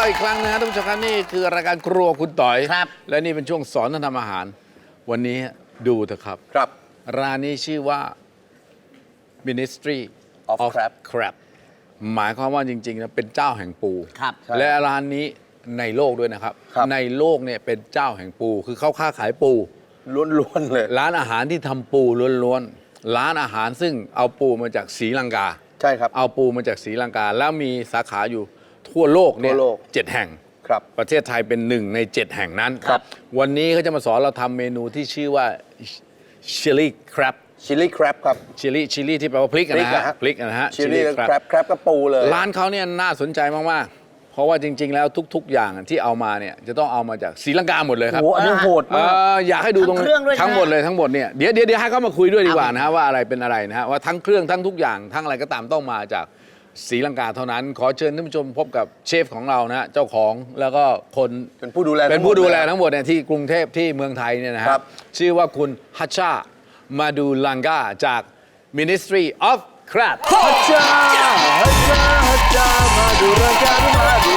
อีกครั้งนะท่านผู้ชมครับนี่คือรายการครัวคุณต่อยครับและนี่เป็นช่วงสอนท่านทำอาหาร วันนี้ดูเถอะครับครับร้านนี้ชื่อว่า Ministry of Crab Crab หมายความว่าจริงๆนะเป็นเจ้าแห่งปูครับและร้านนี้ในโลกด้วยนะครับครับในโลกเนี่ยเป็นเจ้าแห่งปู คือเขาค้าขายปูล้วนๆเลยร้านอาหารที่ทำปูล้วนๆ ร้านอาหารซึ่งเอาปูมาจากศรีลังกาใช่ครับเอาปูมาจากศรีลังกา แล้วมีสาขาอยู่ทั่วโลกเนี่ยทั่วโลก 7 แห่งครับประเทศไทยเป็น1 ใน 7 แห่งนั้นครับวันนี้เขาจะมาสอนเราทำเมนูที่ชื่อว่า Chili Crab ชิลลี่แครบครับ Chili ที่แปลว่าพริกอะนะฮะพริกอะนะฮะชิลลี่ Chili แครบแครบกับปูเลยร้านเขาเนี่ยน่าสนใจมากๆ เพราะว่าจริง ๆ แล้วทุก ๆ อย่างที่เอามาเนี่ยจะต้องเอามาจากศรีลังกาหมดเลยครับโอ้โหอันนี้โหดมากอยากให้ดูตรงทั้งเครื่องด้วยใช่ไหมทั้งหมดเลยทั้งหมดเนี่ยเดี๋ยวให้เขามาคุยด้วยดีกว่านะฮะว่าอะไรเป็นอะไรนะฮะว่าทั้งเครื่องทั้งทุกอย่างทั้งอะไรก็ตามต้องมาจากศรีลังกาเท่านั้น ขอเชิญท่านผู้ชมพบกับเชฟของเรานะฮะเจ้าของแล้วก็คนเป็นผู้ดูแลเป็นผู้ดูแลทั้ทั้งงหหมมดดเนี่ยที่กรุงเทพที่เมืองไทยเนี่ยนะฮะครับชื่อว่าคุณฮัชชามาดูลังกาจาก Ministry of Crab ฮัจจาฮัจจาฮัจจามาดูรายการมาดู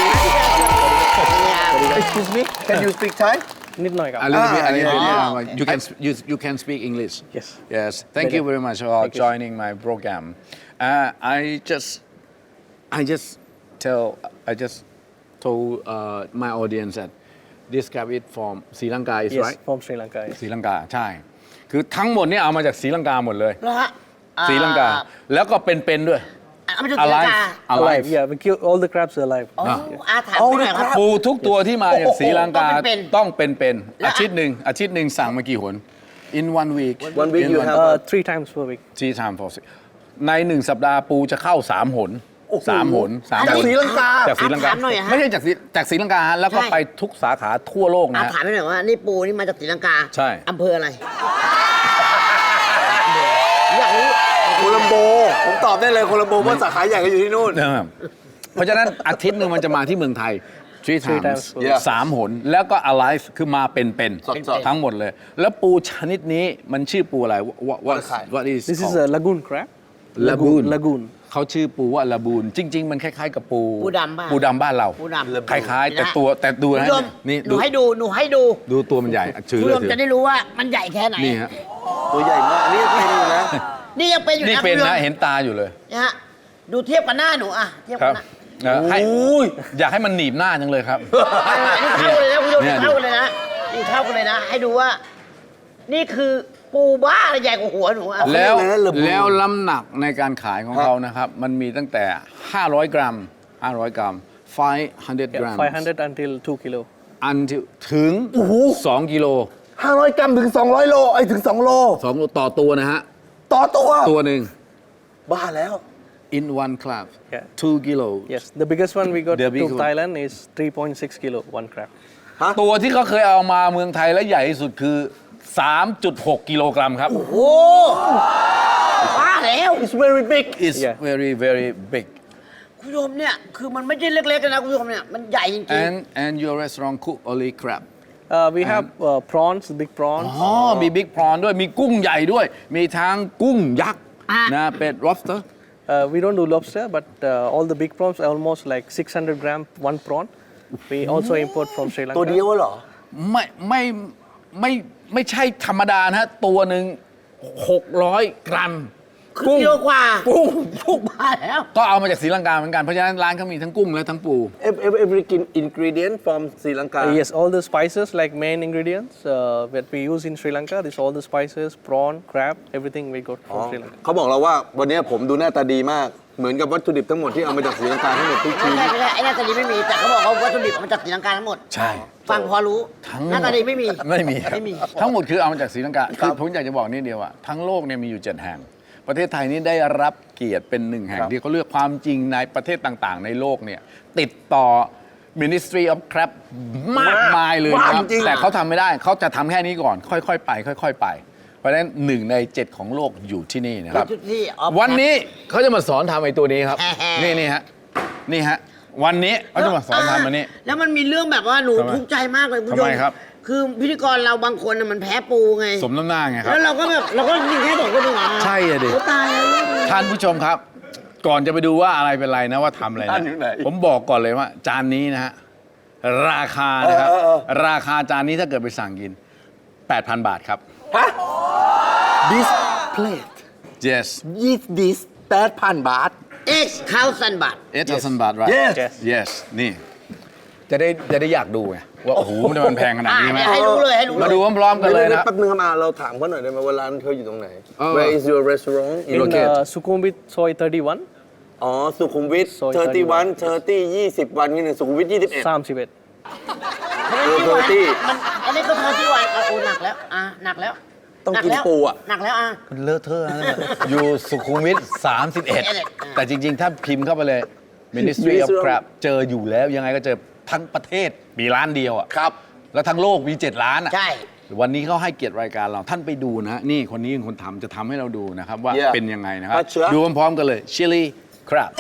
Excuse me can you speak Thai นิดหน่อยครับ A little bit, a little bit. yeah. You can speak English. Yes. Yes. Thank you very much for joining my program. I just told my audience that this crab is from Sri Lanka, is Yes, right? from Sri Lanka. Yes. ศรีลังกาใช่ คือทั้งหมดเนี่ยเอามาจากศรีลังกาหมดเลยแล้วฮะศรีลังกา แล้วก็เป็นๆด้วยเอามาจากศรีลัง alive กา alive Yeah, we kill all the crabs are alive. อ๋อถามหน่อยครับปูทุกตัวที่มาจากศรีลังกาต้องเป็นต้องเป็นและอาทิตย์หนึ่งสั่งมากี่หน in one week One week In you one- have- 3 times per week. ที่ทำ for ใน1 สัปดาห์ปูจะเข้า3 หนโอ้โห 3 หนจากศรีลังกาจากศรีลังกาถามหน่อยฮะไม่ใช่จากศรีลังกาฮะแล้วก็ใช่ไปทุกสาขาทั่วโลกนะฮะถามหน่อยว่านี่ปูนี่มาจากศรีลังกาใช่อำเภออะไรอยากรู้โคลัมโบ ผมตอบได้เลยโคลัมโบเพราะสาขาใหญ่ก็อยู่ที่นู่นเพราะฉะนั้นอาทิตย์หนึ่งมันจะมาที่เมืองไทย three Three times times. Yeah. 3 หน แล้วก็ alive คือมาเป็นสดๆทั้งหมดเลย แล้วปูชนิดนี้มันชื่อปูอะไร what is This is called? a lagoon crab. Lagoon Lagoon. เขาชื่อปูว่าลาบูน จริง ๆ มันคล้ายๆกับปูปูดำบ้านปูดำบ้านเราปูดำคล้ายๆ แต่ดูคุณนะผู้ชมนี่หนูให้ดูดูตัวมันใหญ่ถือคุณเลผู้ยชมถือจะได้รู้ว่ามันใหญ่แค่ไหนนี่ฮะตัวใหญ่มากอันนี่ให้ดูนะนี่ยังเป็นอยู่นี่นะเป็นคุณผู้ชนะมเห็นตาอยู่เลยนะฮะดูเทียบกับหน้าหนูอ่ะเทียบคกัรับบ หน้าให้โอ้ยอยากให้มันหนีบหน้าจังเลยครับนี่เท่ากันเลยนะคุณผู้ชมเนี่ยเท่ากันเลยนะนี่เท่ากันเลยนะ ให้ดูว่า นี่คือปูบ้าใหญ่กว่าหัวหนูอ่ะแล้วเขาเรียกอะไรนะ Laboon แล้วน้ำหนักในการขายของเขานะครับ มันมีตั้งแต่ 500 กรัม 500 กรัม Yeah, 500 500 until 2 kilo. อันถึง 2 กิโล 500 กรัมถึง 200 โลไอ้ยถึง 2 โล 2 โลต่อตัวนะฮะต่อตัวตัวหนึ่งบ้าแล้ว in one club Yeah. 2 กิโล Yes, the biggest one we got The to big one. Thailand is 3.6 kilo, one crab. ตัวที่เขาเคยเอามาเมืองไทยและใหญ่ที่สุดคือ 3.6 กิโลกรัมครับโอ้บ้าแล้ว It's very big It's Yeah. very very big คุณผู้ชมเนี่ย คือมันไม่ใช่เล็กๆเลยนะคุณผู้ชมเนี่ย มันใหญ่จริง and your restaurant cook only crab We have prawns, big prawns. อ๋อมีบิ๊กพรอนด้วยมีกุ้งใหญ่ด้วย มีทั้งกุ้งยักษ์นะเป็น lobster We don't do lobster, but all the big prawns are almost like 600 gram, one prawn. We also import from Sri ตัว Lanka. เดียวเหรอไม่ใช่ธรรมดานะฮะตัวหนึ่ง600 กรัมๆ คือกิโลกว่ากุ้งถูกบ้าแล้วก็เอามาจากศรีลังกาเหมือนกัน เพราะฉะนั้นร้านเขามีทั้งกุ้งและทั้งปู Every ingredient from Sri Lanka Yes, all the spices like main ingredients that we use in Sri Lanka. This all the spices, prawn, crab, everything we got อ๋อ from Sri Lanka. เขาบอกเราว่าวันนี้ผมดูหน้าตาดีมาก เหมือนกับวัตถุดิบทั้งหมดที่เอามาจากศรีลังกาทั้งหมดทุกไม่ชิ้นใช่ไม่ใช่ไอ้หน้าตาดีไม่มี แต่เขาบอกว่าวัตถุดิบมันจากศรีลังกาทั้งหมดใช่ฟังพอรู้ทั้งหมดหน้าตาดีไม่มีไม่มีครับไม่มีทั้งหมดคือเอามาจากศรีลังกาคือผมอยากจะบอกนิดเดียวว่าทั้งโลกเนี่ยมีอยู่ 7 แห่ง ประเทศไทยนี่ได้รับเกียรติเป็นหนึ่งแห่งที่เขาเลือกความจริงในประเทศต่างๆ ในโลกเนี่ยติดต่อ Ministry of Crab มากมายเลยนะครับมากจริงแต่เขาทำไม่ได้เขาจะทำแค่นี้ก่อน ค่อยๆไป ค่อยๆไป เพราะฉะนั้น1 ใน 7ของโลกอยู่ที่นี่นะครับจุดที่ออฟวันนี้เขาจะมาสอนทำไอ้ตัวนี้ครับแฮ่นี่ฮะนี่ฮะวันนี้เขาจะมาสอนทำอันนี้แล้วมันมีเรื่องแบบว่าหนูทำไมทุกข์ใจมากเลยคุณผู้ชทำไมครับคือพิธีกรเราบางคนน่ะมันแพ้ปูไงสมน้ำหน้าไงครับแล้วเราก็แบบเราก็ยิงแค่2 คนเองเหรอใช่อะดิโอ้ตายแล้วท่านผู้ชมครับ ก่อนจะไปดูว่าอะไรเป็นไรนะว่าทำอะไรท่านะนอยู่ไหนผมบอกก่อนเลยว่า จานนี้นะฮะราคานะครับราคาจานนี้ถ้าเกิดไปสั่งกิน 8,000 บาทครับ this plate yes is this 8,000 บาท 8,000 บาท 8,000 บาท right Yes yes นี่จะได้อยากดูไงว่าโอ้โหมันแพงขนาดนี้ไหมให้รู้เลยให้รู้เลยมาดูพร้อมๆกันเลยนะแป๊บนึงครับเราถามเขาหน่อยได้ไหมว่าร้านเขาอยู่ตรงไหน Where is your restaurant In Sukhumvit Soy 31, อ๋อสุขุมวิท Soy 31 20 วันนี่หนึ่งสุขุมวิท 21 31. อันนี้ก็เท่าที่วันโอ้หนักแล้วหนักแล้วต้องกินปูอ่ะหนักแล้วเลอะเทอะนะอยู่สุขุมวิท 31 แต่จริงๆ ถ้าพิมพ์เข้าไปเลย Ministry of Crab เจออยู่แล้วยังไงก็เจอทั้งประเทศมีร้านเดียวอ่ะครับแล้วทั้งโลกมี 7 ล้านอ่ะใช่วันนี้เขาให้เกียรติรายการเราท่านไปดูนะ นี่คนนี้เป็นคนทำจะทำให้เราดูนะครับ ว่า Yeah เป็นยังไงนะครับมาเชื่อดูพร้อมๆกันเลย Chili Crab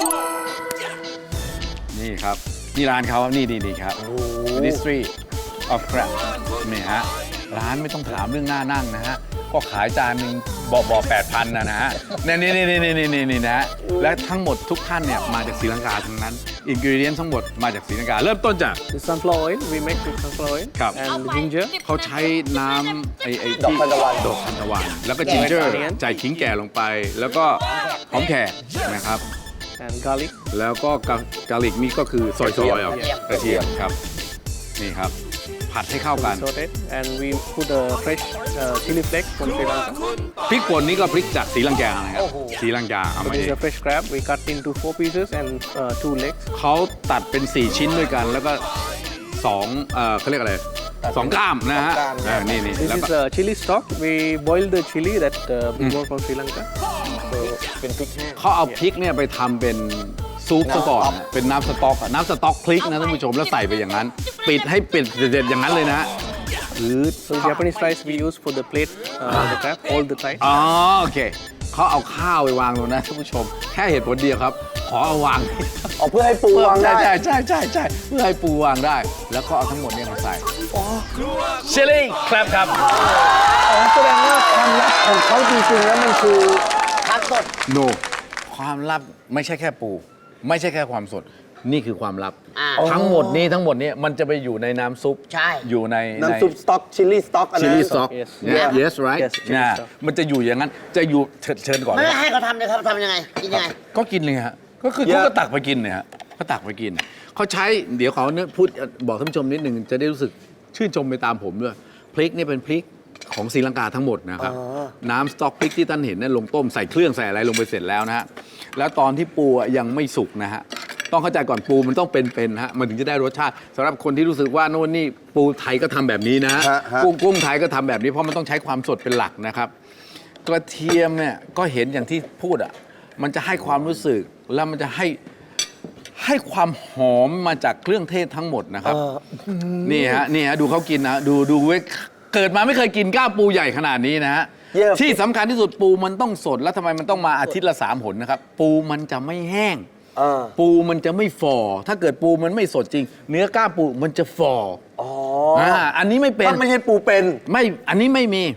นี่ครับ นี่ร้านเขาครับนี่ครับ Ministry of Crab นี่ฮะร้านไม่ต้องถามเรื่องหน้านั่งนะฮะก็ขายจานหนึ่งบอก 8,000 นะฮะนี่นะฮะและทั้งหมดทุกท่านเนี่ยมาจากศรีลังกาทั้งนั้นอินกิวเดียนทั้งหมดมาจากศรีลังกาเริ่มต้นจาก The sunflower oil, we make with sunflower oil ครับ and ginger. เขาใช้น้ำไอ้ดอกทานตะวันดอกทานตะวัน แล้วก็จิงเจอร์ใส่ขิงแก่ลงไป แล้วก็หอมแขกนะครับ and garlic. แล้วก็กาลิกนี่ก็คือซอยๆเอากระเทียมครับ นี่ครับ ผัดให้เข้ากัน Saute it, and we put a fresh chili flakes from Sri Lanka. พริกป่นนี่ก็พริกจากศรีลังกานะครับศรีลังกาเอามา This เอ is ง a fresh crab. We cut into 4 pieces and 2 legs. เขาตัดเป็น 4 ชิ้นด้วยกัน แล้วก็เขาเรียกอะไรสองกล้ามนะฮะนี่ This แล้วก็ is chili stock. We boil the chili that we brought from Sri Lanka. เป็นพริกแห้งเขาเอาพริกเนี่ยไปทำเป็นซุปซะก่อนนะเป็นน้ำสต๊อกอะน้ำสต๊อกพริกนะท่านผู้ชมแล้วใส่ไปอย่างนั้น ปิดให้ปิดเด็ดๆอย่างนั้นเลยนะหรือ So Japanese rice we use for the plate, the crab, all the time. อ๋อโอเคเขาเอาข้าวไปวางตรงนั้นท่านผู้ชม แค่เหตุผลเดียวครับ ขอเอาวางอ๋อเพื่อให้ปูวางได้ใช่เพื่อให้ปูวางได้ แล้วก็เอาทั้งหมดเนี่ยมาใส่เชลลี่ครับครับแสดงว่าความลับของเขาจริงๆแล้วมันคือผักสดโนความลับไม่ใช่แค่ปู ไม่ใช่แค่ความสด นี่คือความลับ ทั้งหมดนี้มันจะไปอยู่ในน้ำซุปใช่อยู่ในน้ำซุปสต๊อกชิลลี่สต๊อกอะไรชิลลี่สต็อก Yes. yes right Yes, chili นะ stock มันจะอยู่อย่างนั้นจะอยู่เชิญก่อนไม่เลยให้เขาทำเลยครับทำยังไงกินยังไงก็กินเลยฮะก็คือเขาก็ตักไปกินเนี่ยฮะเขาตักไปกินเขาใช้เดี๋ยวเขาเนี่ยพูดบอกท่านผู้ชมนิดหนึ่งจะได้รู้สึกชื่นชมไปตามผมด้วยพริกนี่เป็นพริกของศรีลังกาทั้งหมดนะครับน้ำสต๊อกพริกที่ท่านเห็นเนี่ยลงต้มใส่เครื่องใส่อะไรลงไปเสร็จแล้วนะฮะแล้วตอนที่ปูยังไม่สุกนะฮะต้องเข้าใจก่อนปูมันต้องเป็นๆฮะมันถึงจะได้รสชาติสำหรับคนที่รู้สึกว่าโน่นนี่ปูไทยก็ทำแบบนี้นะฮะกุ้งไทยก็ทำแบบนี้เพราะมันต้องใช้ความสดเป็นหลักนะครับกระเทียมเนี่ยก็เห็นอย่างที่พูดอ่ะมันจะให้ความรู้สึกแล้วมันจะให้ความหอมมาจากเครื่องเทศทั้งหมดนะครับนี่ฮะดูเขากินนะดูเว้ยเกิดมาไม่เคยกินก้าวปูใหญ่ขนาดนี้นะฮะที่สำคัญที่สุดปูมันต้องสดแล้วทำไมมันต้องมาอาทิตย์ละ3 หนนะครับปูมันจะไม่แห้งปูมันจะไม่ฝ่อถ้าเกิดปูมันไม่สดจริง เนื้อก้าปูมันจะฝ่ออันนี้ไม่เป็นถ้าไม่ใช่ปูเป็นไม่อันนี้ไม่มี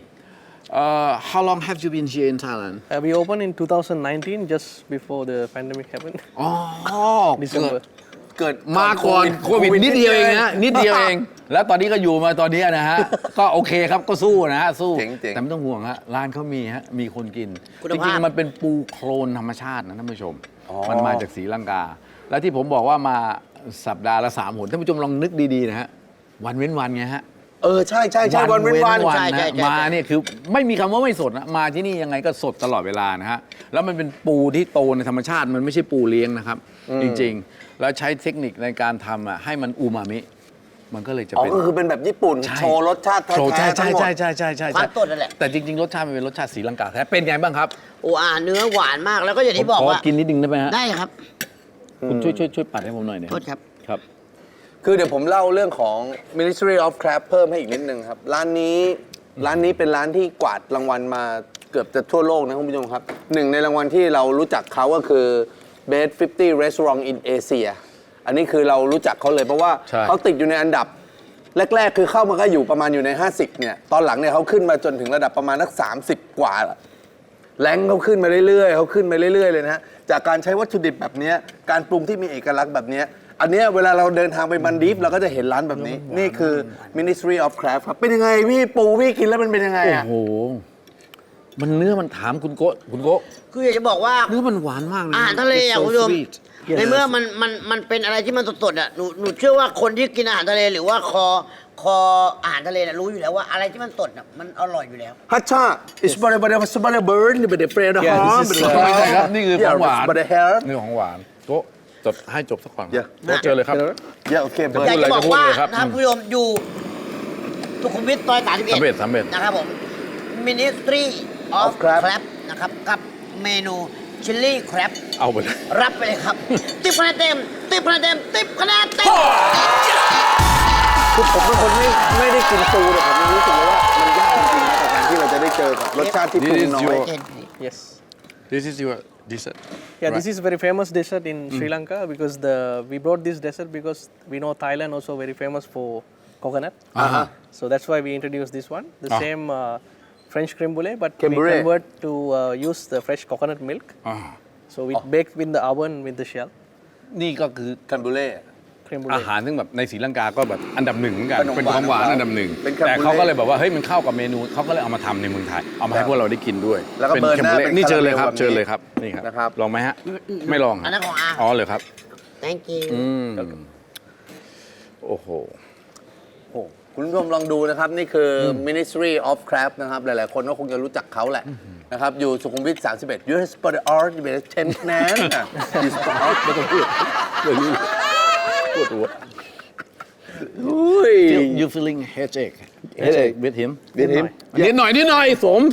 How long have you been here in Thailand? We opened in 2019, just before the pandemic happened. อ๋อ December. เกิดมาก่อนโควิดนิดเดียวเองนะนิดเดียวเอง แล้วตอนนี้ก็อยู่มาตอนนี้นะฮะ ก็โอเคครับก็สู้นะฮะสู้เจ๋งๆแต่ไม่ต้องห่วงฮะร้านเขามีฮะมีคนกินคุณจภาพริงๆมันเป็นปูโคลนธรรมชาตินะท่านผู้ชม มันมาจากศรีลังกา แล้วที่ผมบอกว่ามาสัปดาห์ละ3 หนท่านผู้ชมลองนึกดีๆนะฮะวันเว้นวันไงฮะใช่วันเว้นวันใช่นะมาเนี่ยคือไม่มีคำว่าไม่สดนะมาที่นี่ยังไงก็สดตลอดเวลานะฮะแล้วมันเป็นปูที่โตในธรรมชาติมันไม่ใช่ปูเลี้ยงนะครับ จริงๆ แล้วใช้เทคนิคในการทำให้มันอูมามิมันก็เลยจะอ๋อเป็นก็คือเป็นแบบญี่ปุ่นใช่โชว์รสชาติแท้โชว์ๆใช่ทั้งหมดความสดนั่นแหละแต่จริงๆรสชาติมันเป็นรสชาติศรีลังกาแท้เป็นไงบ้างครับโอ้เนื้อหวานมากแล้วก็อย่างที่บอกขอว่ากินนิดนึงได้ไหมฮะได้ครับคุณช่วยปัดให้ผมหน่อยเนี่ยโทษครับครับคือเดี๋ยวผมเล่าเรื่องของ Ministry of Crab เพิ่มให้อีกนิดนึงครับ ร้านนี้เป็นร้านที่กวาดรางวัลมาเกือบจะทั่วโลกนะคุณผู้ชมครับหนึ่งในรางวัลที่เรารู้จักเขาก็คือ Best 50 Restaurant in Asia อันนี้คือเรารู้จักเขาเลยเพราะว่าใช่เขาติดอยู่ในอันดับแรกๆคือเข้ามาก็อยู่ประมาณอยู่ใน 50เนี่ยตอนหลังเนี่ยเขาขึ้นมาจนถึงระดับประมาณนัก30 กว่าละแรงเขาขึ้นมาเรื่อยๆเลยนะฮะจากการใช้วัตถุดิบแบบนี้การปรุงที่มีเอกลักษณ์แบบนี้อันเนี้ยเวลาเราเดินทางไปมันดีฟเราก็จะเห็นร้านแบบนี้ นี่คือ Ministry of Craft ครับ เป็นยังไงพี่ปูพี่กินแล้วมันเป็นยังไงโอ้อะโห มันเนื้อมันถามคุณโกะคุณโกะคืออยากจะบอกว่าเนื้อมันหวานมากเลยอาหารทะเลอ่ะ It's so คุณผู้ชม sweet ในเมื่อมันเป็นอะไรที่มันสดๆอ่ะหนูเชื่อว่าคนที่กินอาหารทะเลหรือว่าคออาหารทะเลน่ะรู้อยู่แล้วว่าอะไรที่มันสดอ่ะมันอร่อยอยู่แล้วฮัชชา it's but a bird but a friend of Yeah, this harm is, ไม่ใช่ครับ นี่คือของหวาน but a hair นี่ของหวานโกะจดให้จบสักก่อน Yeah. โกะเจอเลยครับ yeah okay จะ bird อยากจะบอกว่าพูดเลยครับนะครับคุณผู้ชมอยู่สุขุมวิทซอย 31 นะครับผม Ministry of Of Crab Crab นะครับกับเมนูชิลลี่แครบเอาไปเลยรับไปเลยครับ 10 คะแนนเต็ม 10 คะแนนเต็ม 10 คะแนนเต็มคือผมเป็นคนไม่ได้กินปูแต่ผมรู้สึกว่ามันยากจริงๆนะกับการที่เราจะได้เจอกับรสชาติที่ปรุงน้อย Yes. This is your dessert Yeah, this is very famous dessert in Sri Lanka because we brought this dessert because we know Thailand also very famous for coconut. So that's why we introduced this one. The same French creme brulee, but Creme we brulee. convert to use the fresh coconut milk. อ่า So we bake in the oven with the shell. นี่ก็คือคันบูเล่ Creme อา brulee. หารซึ่งแบบในศรีลังกาก็แบบอันดับหนึ่งเหมือนกันขนมหวานเป็นของหวานอันดับหนึ่งเป็นแคมเบอร์แต่เขาก็เลยแบบว่าเฮ้ยมันเข้ากับเมนูเขาก็เลยเอามาทำในเมืองไทย เอามาให้พวกเราได้กินด้วยแล้วก็เบิร์นหน้าแคมเป็นนี่เชิญเลยครับคาราเมลแบบนี้เชิญเลยครับนี่ครับนะครับลองไหมฮะไม่ลองอันนั้นของอาอ๋อเลยครับ thank you โอ้โหโอ้คุณผู้ชมลองดูนะครับ นี่คือ Ministry of Craft นะครับ หลาย ๆ คนก็คงจะรู้จักเขาแหละนะครับ อยู่สุขุมวิท 31 US for the art เป็น10คะแนนนะ Yes for art ไม่ต้องพูดปวดหัวอุ้ย you feeling headache Headache with him With him นิดหน่อยสม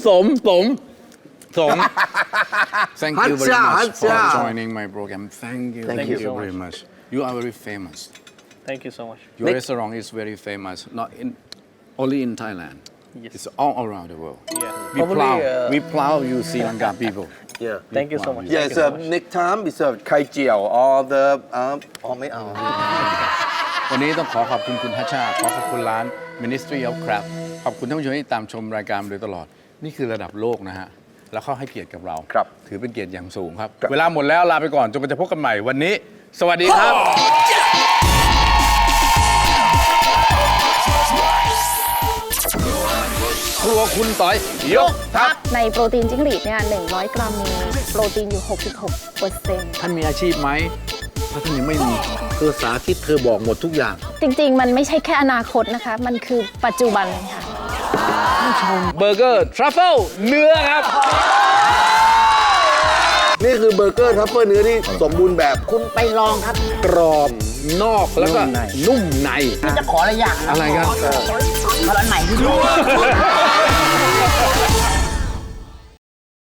Thank you very much for joining my program Thank you Thank you so very much You are very famous Thank you so much. Your restaurant is very famous not in only in Thailand Yes. It's all around the world Yeah. We Probably, proud we proud you Sri Lanka people Yeah Thank you so much. Yeah Thank it's you a so much. next time it's a ไข่เจียว or the อ๋อไม่เอาวันนี้ต้องขอขอบคุณคุณทัชชาขอขอบคุณร้าน Ministry of Crab ขอบคุณท่านผู้ชมที่ตามชมรายการมาโดยตลอด นี่คือระดับโลกนะฮะ แล้วเขาให้เกียรติกับเราครับถือเป็นเกียรติอย่างสูงครับครับเวลาหมดแล้วลาไปก่อนจนกว่าจะพบกันใหม่วันนี้ สวัสดีครับ ครัวคุณต่อย ยกทัพในโปรตีนจิ้งหรีดเนี่ย100 กรัมมีโปรตีนอยู่ 66% ท่านมีอาชีพไหมถ้าท่านยังไม่มีเธอสาธิตเธอบอกหมดทุกอย่างจริงๆ มันไม่ใช่แค่อนาคตนะคะ มันคือปัจจุบันค่ะเบอร์เกอร์ทรัฟเฟิลเนื้อครับนี่คือเบอร์เกอร์ทัฟเฟิลเนื้อที่สมบูรณ์แบบคุณไปลองครับกรอบนอกแล้วก็นุ่มในพี่จะขออะไรอย่างนะอะไรครับขออันไหนที่ดู